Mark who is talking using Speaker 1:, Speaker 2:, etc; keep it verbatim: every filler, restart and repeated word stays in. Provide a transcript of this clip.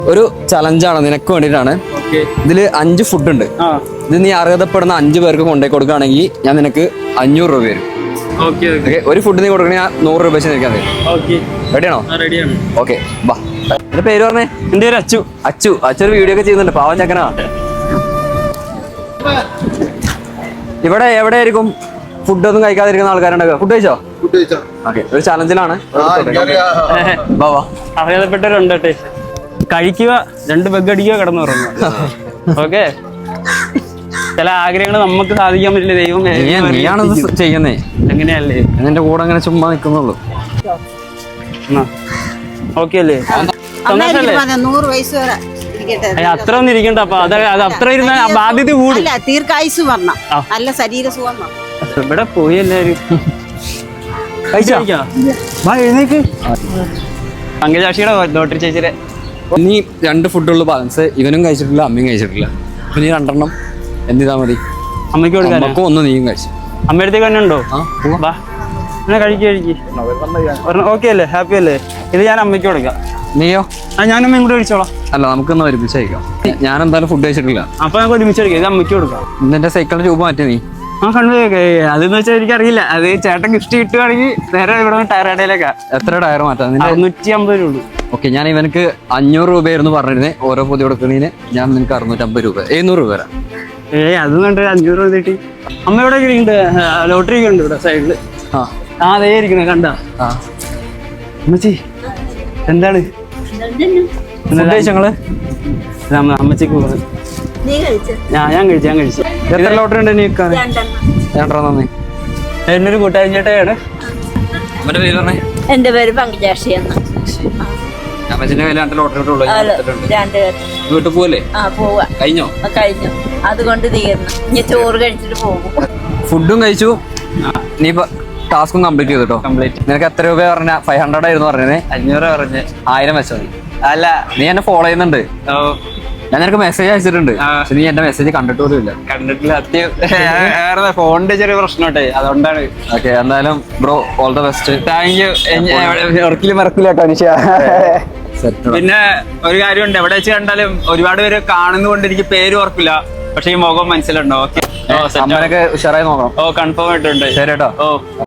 Speaker 1: ഒരു ചലഞ്ചാണ് നിനക്ക് വേണ്ടിയിട്ടാണ്. ഇതില് അഞ്ച് ഫുഡ് ഉണ്ട്. ഇത് നീ അർഹതപ്പെടുന്ന അഞ്ചു പേർക്ക് കൊണ്ടുപോയി കൊടുക്കുകയാണെങ്കിൽ ഞാൻ നിനക്ക് അഞ്ഞൂറ് രൂപ വരും. ഒരു ഫുഡ് നീ കൊടുക്കണേ ഞാൻ നൂറ് രൂപ വെച്ച് നിൽക്കാൻ തരും. റെഡിയാണോ? ഓക്കെ, ബാ. എന്റെ പേര് പറഞ്ഞേ.
Speaker 2: എന്റെ പേര് അച്ചു.
Speaker 1: അച്ചു അച്ചു ഒരു വീഡിയോ ഒക്കെ ചെയ്യുന്നുണ്ട്, പാവം ചക്കനാ. ഇവിടെ എവിടെയായിരിക്കും ഫുഡൊന്നും കഴിക്കാതിരിക്കുന്ന ആൾക്കാരുണ്ടാവുക? ഫുഡ് കഴിച്ചോ? ഓക്കെ, ഒരു ചലഞ്ചിലാണ്.
Speaker 2: അറിയാതപ്പെട്ടവരുണ്ട്. കഴിക്കുക, രണ്ട് ബെഗ് അടിക്കുക, കിടന്നുറങ്ങുക. ഓക്കെ, ചില ആഗ്രഹങ്ങൾ നമുക്ക് സാധിക്കാൻ പറ്റില്ല. ദൈവം
Speaker 1: നീയാണത് ചെയ്യുന്നേ.
Speaker 2: എങ്ങനെയല്ലേ
Speaker 1: എന്റെ കൂടെ അങ്ങനെ ചുമ്മാ നിൽക്കുന്നുള്ളൂ.
Speaker 2: ഓക്കെ അല്ലേ?
Speaker 3: നൂറ് വയസ്സ് വരെ
Speaker 2: അത്ര ഒന്നും ഇരിക്കണ്ട. അപ്പൊ അത് അത് അത്ര ഇരുന്ന ബാധ്യത കൂടും.
Speaker 3: ദീർഘായുസ് വരണം, നല്ല ശരീര സുഖം.
Speaker 2: ഇവിടെ പോയി എല്ലാരും പങ്കജാക്ഷിയുടെ ലോട്ടറി ചേച്ചിയുടെ.
Speaker 1: നീ രണ്ട് ഫുഡുള്ള ബാലൻസ് ഇവനും കഴിച്ചിട്ടില്ല, അമ്മയും കഴിച്ചിട്ടില്ല. അപ്പൊ നീ രണ്ടെണ്ണം എന്ത് ചെയ്താൽ മതി?
Speaker 2: അമ്മയ്ക്ക് കൊടുക്കാൻ.
Speaker 1: ഒന്ന് നീയും കഴിച്ചു.
Speaker 2: അമ്മയടുത്തേക്ക് തന്നെ ഉണ്ടോ? വാ, എന്നാ കഴിക്കുക കഴിക്ക്. ഓക്കെ അല്ലേ? ഹാപ്പി അല്ലേ? ഇത് ഞാൻ അമ്മയ്ക്ക് കൊടുക്കാം.
Speaker 1: നീയോ?
Speaker 2: ആ, ഞാനും ഇങ്ങോട്ട് കഴിച്ചോളാം.
Speaker 1: അല്ല, നമുക്കൊന്ന് ഒരുമിച്ച് കഴിക്കാം. ഞാൻ എന്തായാലും ഫുഡ് കഴിച്ചിട്ടില്ല.
Speaker 2: അപ്പൊ നമുക്ക് ഒരുമിച്ച് കഴിക്കാം. ഇത് അമ്മയ്ക്ക് കൊടുക്കാം.
Speaker 1: നിന്റെ സൈക്കിളിന്റെ രൂപ മാറ്റി നീ.
Speaker 2: ആ, കണ്ടു. അതെന്ന് വെച്ചാൽ എനിക്കറിയില്ല. അത് ചേട്ടൻ ഗിഫ്റ്റ് കിട്ടുവാണെങ്കിൽ നേരെ ഇവിടെ ടയർ കടയിലേക്കാ.
Speaker 1: എത്ര ടയർ മാറ്റാം?
Speaker 2: അറുന്നൂറ്റി അമ്പത് രൂപ.
Speaker 1: ഓക്കെ, ഞാൻ ഇവനക്ക് അഞ്ഞൂറ് രൂപയായിരുന്നു പറഞ്ഞിരുന്നേ. ഓരോ പൊതി കൊടുക്കുന്നതിന് ഞാൻ നിനക്ക് അറുന്നൂറ്റമ്പത് രൂപ, എഴുന്നൂറ് രൂപ തരാം.
Speaker 2: ഏയ്, അത് കണ്ട് അഞ്ഞൂറ് രൂപ കിട്ടി. അമ്മ ഇവിടെ ഉണ്ട്, ലോട്ടറി ഒക്കെ ഉണ്ട് ഇവിടെ സൈഡില്.
Speaker 1: ആ
Speaker 2: ആ അതേ ഇരിക്കണേ, കണ്ട?
Speaker 1: ആ
Speaker 2: അമ്മച്ചി എന്താണ്
Speaker 1: ഞങ്ങള്
Speaker 2: അമ്മച്ചിക്ക് പോകുന്നത്? ഞാൻ ഞാൻ കഴിച്ചു ഞാൻ കഴിച്ചു
Speaker 1: എത്ര ലോട്ടറി ഉണ്ട് നീ വിൽക്കാൻ? രണ്ടെണ്ണം നന്ദി.
Speaker 2: എന്നൊരു കൂട്ടുകാരൻ ചേട്ടയാണ്.
Speaker 1: അമ്മന്റെ പേര് പറഞ്ഞേ.
Speaker 3: എന്റെ പേര് പങ്കജാക്ഷി.
Speaker 1: അമ്മച്ചിന്റെ കയ്യിൽ രണ്ട് ലോട്ടറി വീട്ടിൽ പോവല്ലേ? കഴിഞ്ഞോ?
Speaker 3: കഴിഞ്ഞു, അതുകൊണ്ട് തീർന്നു. ഇനി ചോറ് കഴിച്ചിട്ട് പോകും.
Speaker 1: ഫുഡും കഴിച്ചു, നീ ടാസ്കും കംപ്ലീറ്റ് ചെയ്തിട്ടോ.
Speaker 2: കംപ്ലീറ്റ്.
Speaker 1: നിനക്ക് എത്ര രൂപ പറഞ്ഞ? ഫൈവ് ഹൺഡ്രഡ് ആയിരുന്നു പറഞ്ഞത്.
Speaker 2: അഞ്ഞൂറ് പറഞ്ഞ്
Speaker 1: ആയിരം വെച്ചോ നീ.
Speaker 2: അല്ല,
Speaker 1: നീ എന്നെ ഫോളോ ചെയ്യുന്നുണ്ട്. ഞാൻ നിനക്ക് മെസ്സേജ് അയച്ചിട്ടുണ്ട്, പക്ഷെ നീ എന്റെ മെസ്സേജ് കണ്ടിട്ട് പോലും ഇല്ല.
Speaker 2: കണ്ടിട്ടില്ല. അത്യം ഫോണിന്റെ ചെറിയ പ്രശ്നോട്ടെ, അതുകൊണ്ടാണ്.
Speaker 1: ഓക്കെ, എന്തായാലും bro all the best.
Speaker 2: Thank you. ഒരിക്കലും മറക്കില്ല കേട്ടോ നിഷ. പിന്നെ ഒരു കാര്യമുണ്ട്, എവിടെ വെച്ച് കണ്ടാലും ഒരുപാട് പേര് കാണുന്നതുകൊണ്ട് എനിക്ക് പേര് ഓർക്കില്ല, പക്ഷെ ഈ മുഖം മനസ്സിലുണ്ടോ? ഓക്കെ,
Speaker 1: അമ്മനൊക്കെ ഉഷാറായി നോക്കണം.
Speaker 2: ഓ, കൺഫേം ആയിട്ടുണ്ട്.
Speaker 1: ശരി കേട്ടോ.
Speaker 2: ഓ.